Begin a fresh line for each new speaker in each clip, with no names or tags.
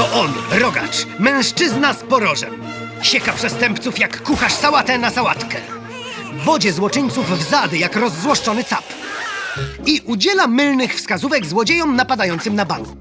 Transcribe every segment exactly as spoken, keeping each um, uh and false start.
Oto on, Rogacz, mężczyzna z porożem. Sieka przestępców jak kucharz sałatę na sałatkę. Wodzie złoczyńców w zady jak rozzłoszczony cap. I udziela mylnych wskazówek złodziejom napadającym na bank.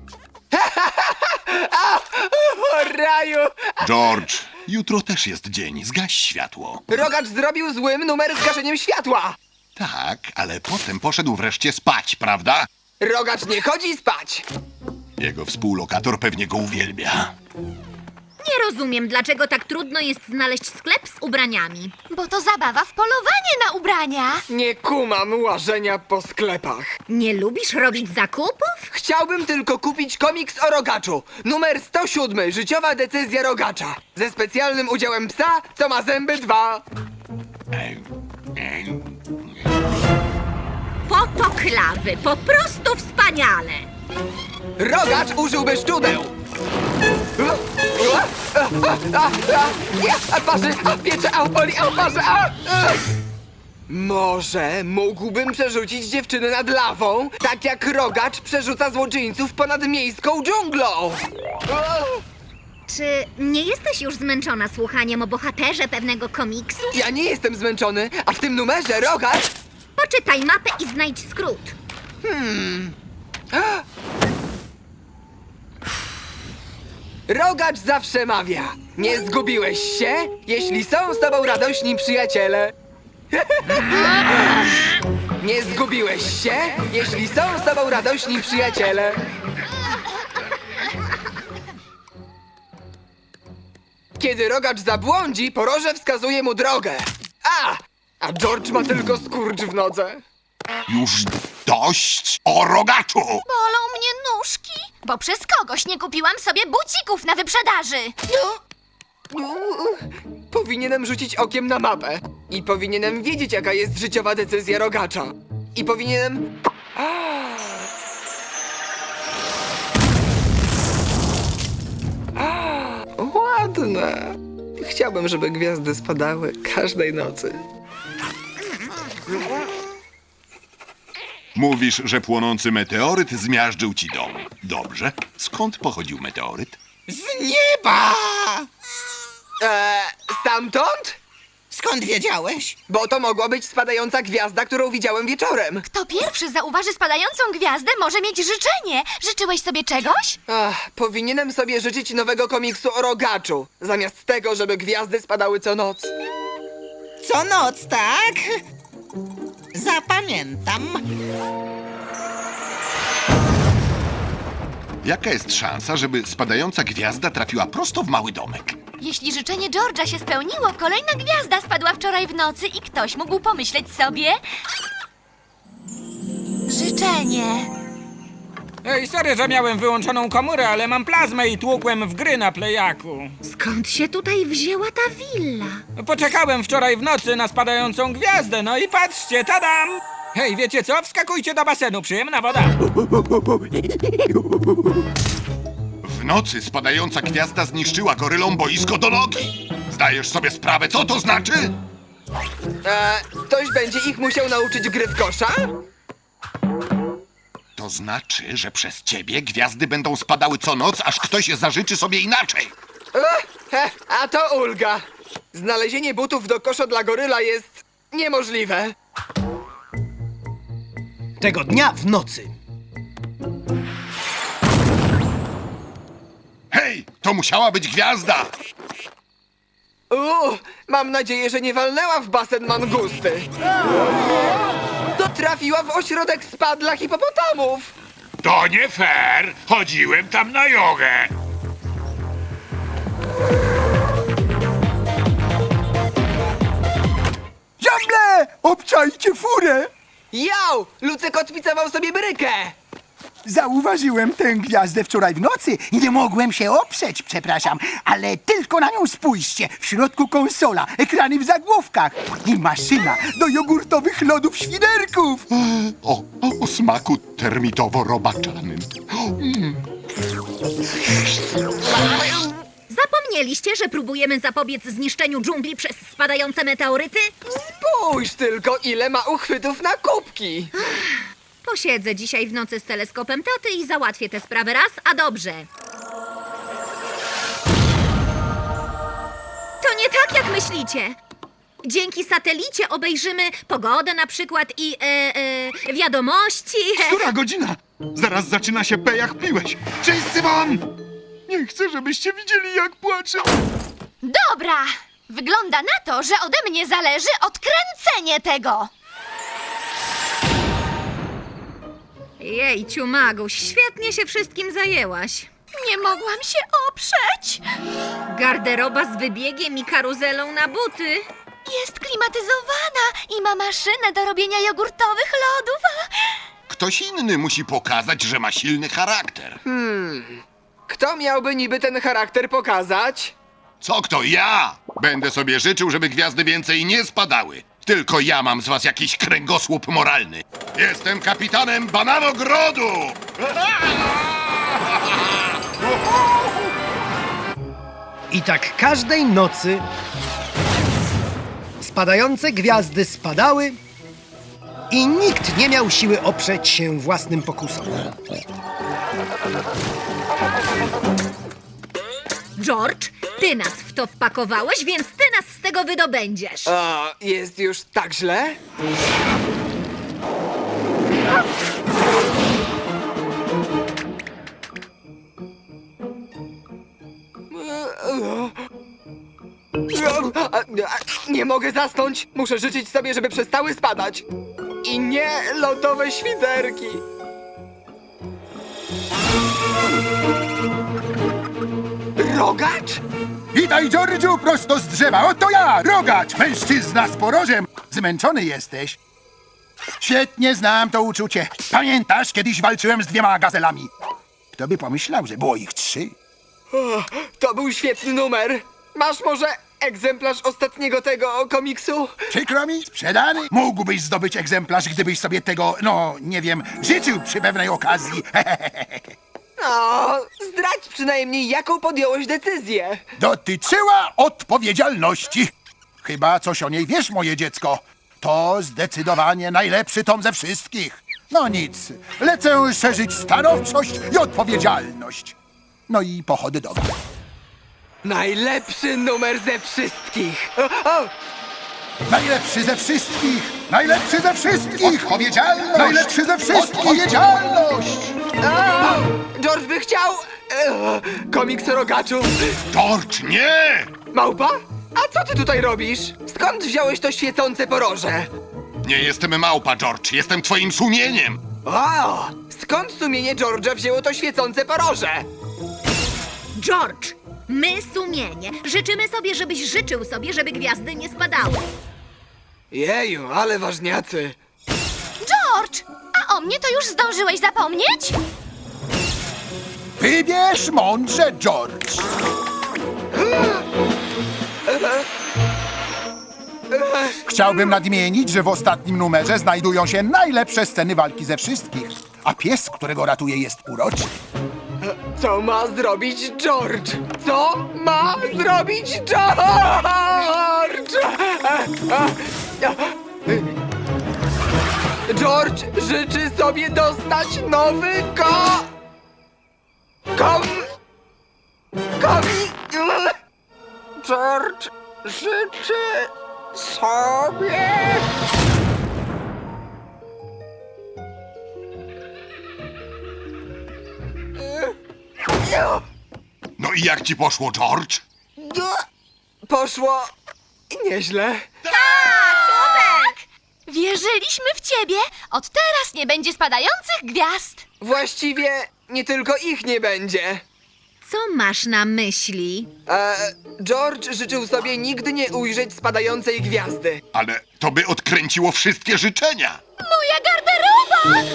O raju!
George, jutro też jest dzień. Zgaś światło.
Rogacz zrobił złym numer z gaszeniem światła.
Tak, ale potem poszedł wreszcie spać, prawda?
Rogacz nie chodzi spać.
Jego współlokator pewnie go uwielbia.
Nie rozumiem, dlaczego tak trudno jest znaleźć sklep z ubraniami.
Bo to zabawa w polowanie na ubrania.
Nie kumam łażenia po sklepach.
Nie lubisz robić zakupów?
Chciałbym tylko kupić komiks o Rogaczu. Numer sto siedem. Życiowa decyzja Rogacza. Ze specjalnym udziałem psa, co ma zęby dwa.
Potoklawy, po prostu wspaniale.
Rogacz użyłby szczudeł. Nie, a parzy, a piecze, a boli, a parzy, a... a. Może mógłbym przerzucić dziewczynę nad lawą, tak jak Rogacz przerzuca złoczyńców ponad miejską dżunglą.
Czy nie jesteś już zmęczona słuchaniem o bohaterze pewnego komiksu?
Ja nie jestem zmęczony, a w tym numerze Rogacz...
Poczytaj mapę i znajdź skrót.
Rogacz zawsze mawia. Nie zgubiłeś się, jeśli są z tobą radośni przyjaciele. Nie zgubiłeś się, jeśli są z tobą radośni przyjaciele. Kiedy Rogacz zabłądzi, poroże wskazuje mu drogę. A! A George ma tylko skurcz w nodze.
Już dość o Rogaczu!
Bolą mnie nóżki, bo przez kogoś nie kupiłam sobie bucików na wyprzedaży.
Powinienem rzucić okiem na mapę. I powinienem wiedzieć, jaka jest życiowa decyzja Rogacza. I powinienem... Ładne. Chciałbym, żeby gwiazdy spadały każdej nocy.
Mówisz, że płonący meteoryt zmiażdżył ci dom. Dobrze. Skąd pochodził meteoryt?
Z nieba!
Eee, stamtąd?
Skąd wiedziałeś?
Bo to mogła być spadająca gwiazda, którą widziałem wieczorem.
Kto pierwszy zauważy spadającą gwiazdę, może mieć życzenie. Życzyłeś sobie czegoś?
Ach, powinienem sobie życzyć nowego komiksu o Rogaczu, zamiast tego, żeby gwiazdy spadały co noc.
Co noc, tak? Zapamiętam.
Jaka jest szansa, żeby spadająca gwiazda trafiła prosto w mały domek?
Jeśli życzenie George'a się spełniło, kolejna gwiazda spadła wczoraj w nocy i ktoś mógł pomyśleć sobie... Życzenie.
Ej, sorry, że miałem wyłączoną komórę, ale mam plazmę i tłukłem w gry na plejaku.
Skąd się tutaj wzięła ta willa?
Poczekałem wczoraj w nocy na spadającą gwiazdę, no i patrzcie, tadam! Hej, wiecie co? Wskakujcie do basenu, przyjemna woda.
W nocy spadająca gwiazda zniszczyła gorylom boisko do nogi. Zdajesz sobie sprawę, co to znaczy?
Eee, ktoś będzie ich musiał nauczyć gry w kosza?
To znaczy, że przez ciebie gwiazdy będą spadały co noc, aż ktoś zażyczy sobie inaczej.
Ech, he, a to ulga. Znalezienie butów do kosza dla goryla jest niemożliwe.
Tego dnia w nocy.
Hej, to musiała być gwiazda!
Uuu, mam nadzieję, że nie walnęła w basen mangusty. To trafiła w ośrodek spa dla hipopotamów.
To nie fair! Chodziłem tam na jogę!
Diable! Obczajcie furę!
Jau! Lucek odpicował sobie brykę.
Zauważyłem tę gwiazdę wczoraj w nocy i nie mogłem się oprzeć, przepraszam. Ale tylko na nią spójrzcie. W środku konsola, ekrany w zagłówkach i maszyna do jogurtowych lodów świderków.
O, o, o smaku termitowo-robaczanym. Mm.
Zapomnieliście, że próbujemy zapobiec zniszczeniu dżungli przez spadające meteoryty?
Spójrz tylko, ile ma uchwytów na kubki.
Posiedzę dzisiaj w nocy z teleskopem taty i załatwię tę sprawę raz, a dobrze. nie tak, jak myślicie. Dzięki satelicie obejrzymy pogodę na przykład i e, e, wiadomości.
Która godzina? Zaraz zaczyna się pejach piłeś. Cześć, Symon! Nie chcę, żebyście widzieli, jak płaczę.
Dobra! Wygląda na to, że ode mnie zależy odkręcenie tego.
Jejciu, Maguś, świetnie się wszystkim zajęłaś.
Nie mogłam się oprzeć.
Garderoba z wybiegiem i karuzelą na buty.
Jest klimatyzowana i ma maszynę do robienia jogurtowych lodów.
Ktoś inny musi pokazać, że ma silny charakter.
Kto miałby niby ten charakter pokazać?
Co kto? Ja! Będę sobie życzył, żeby gwiazdy więcej nie spadały. Tylko ja mam z was jakiś kręgosłup moralny. Jestem kapitanem Bananogrodu!
I tak każdej nocy spadające gwiazdy spadały i nikt nie miał siły oprzeć się własnym pokusom.
George, ty nas w to wpakowałeś, więc ty nas z tego wydobędziesz.
A, jest już tak źle? Nie mogę zasnąć. Muszę życzyć sobie, żeby przestały spadać. I nie lodowe świderki. Rogacz?
Witaj, Georgiu, prosto z drzewa. Oto ja, Rogacz, mężczyzna z porożem. Zmęczony jesteś? Świetnie znam to uczucie. Pamiętasz, kiedyś walczyłem z dwiema gazelami? Kto by pomyślał, że było ich trzy?
O, to był świetny numer. Masz może egzemplarz ostatniego tego komiksu?
Przykro mi, sprzedany. Mógłbyś zdobyć egzemplarz, gdybyś sobie tego, no, nie wiem, życzył przy pewnej okazji.
No, zdradź przynajmniej, jaką podjąłeś decyzję.
Dotyczyła odpowiedzialności. Chyba coś o niej wiesz, moje dziecko. To zdecydowanie najlepszy tom ze wszystkich. No nic, lecę szerzyć stanowczość i odpowiedzialność. No i pochody domu.
Najlepszy numer ze wszystkich. O, o,
Najlepszy ze wszystkich! Najlepszy ze wszystkich! Odpowiedzialność! Najlepszy ze wszystkich! Odpowiedzialność!
o, George by chciał... e, komiks o rogaczu.
George, nie!
Małpa? A co ty tutaj robisz? Skąd wziąłeś to świecące poroże?
Nie jestem małpa, George. Jestem twoim sumieniem.
O, skąd sumienie George'a wzięło to świecące poroże?
George, my sumienie. Życzymy sobie, żebyś życzył sobie, żeby gwiazdy nie spadały.
Jeju, ale ważniacy.
George, a o mnie to już zdążyłeś zapomnieć?
Wybierz mądrze, George! Chciałbym nadmienić, że w ostatnim numerze znajdują się najlepsze sceny walki ze wszystkich, a pies, którego ratuje, jest uroczy.
Co ma zrobić George? Co ma zrobić George? George życzy sobie dostać nowy ko... Kom... Komi... George życzy sobie...
No i jak ci poszło, George?
Poszło... nieźle.
Tak! Wierzyliśmy w ciebie. Od teraz nie będzie spadających gwiazd.
Właściwie nie tylko ich nie będzie.
Co masz na myśli?
E, George życzył sobie nigdy nie ujrzeć spadającej gwiazdy.
Ale to by odkręciło wszystkie życzenia.
Moja garderoba!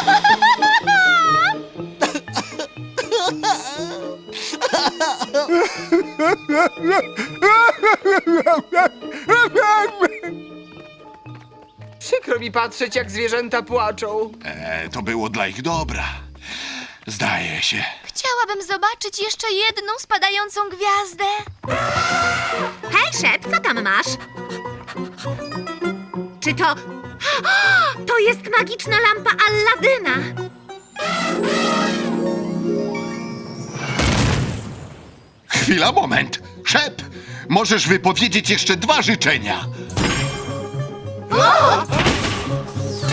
Przykro mi patrzeć, jak zwierzęta płaczą.
E, to było dla ich dobra. Zdaje się.
Chciałabym zobaczyć jeszcze jedną spadającą gwiazdę.
Hej, Szep, co tam masz? Czy to... To jest magiczna lampa Alladyna!
Chwila, moment. Szep, możesz wypowiedzieć jeszcze dwa życzenia.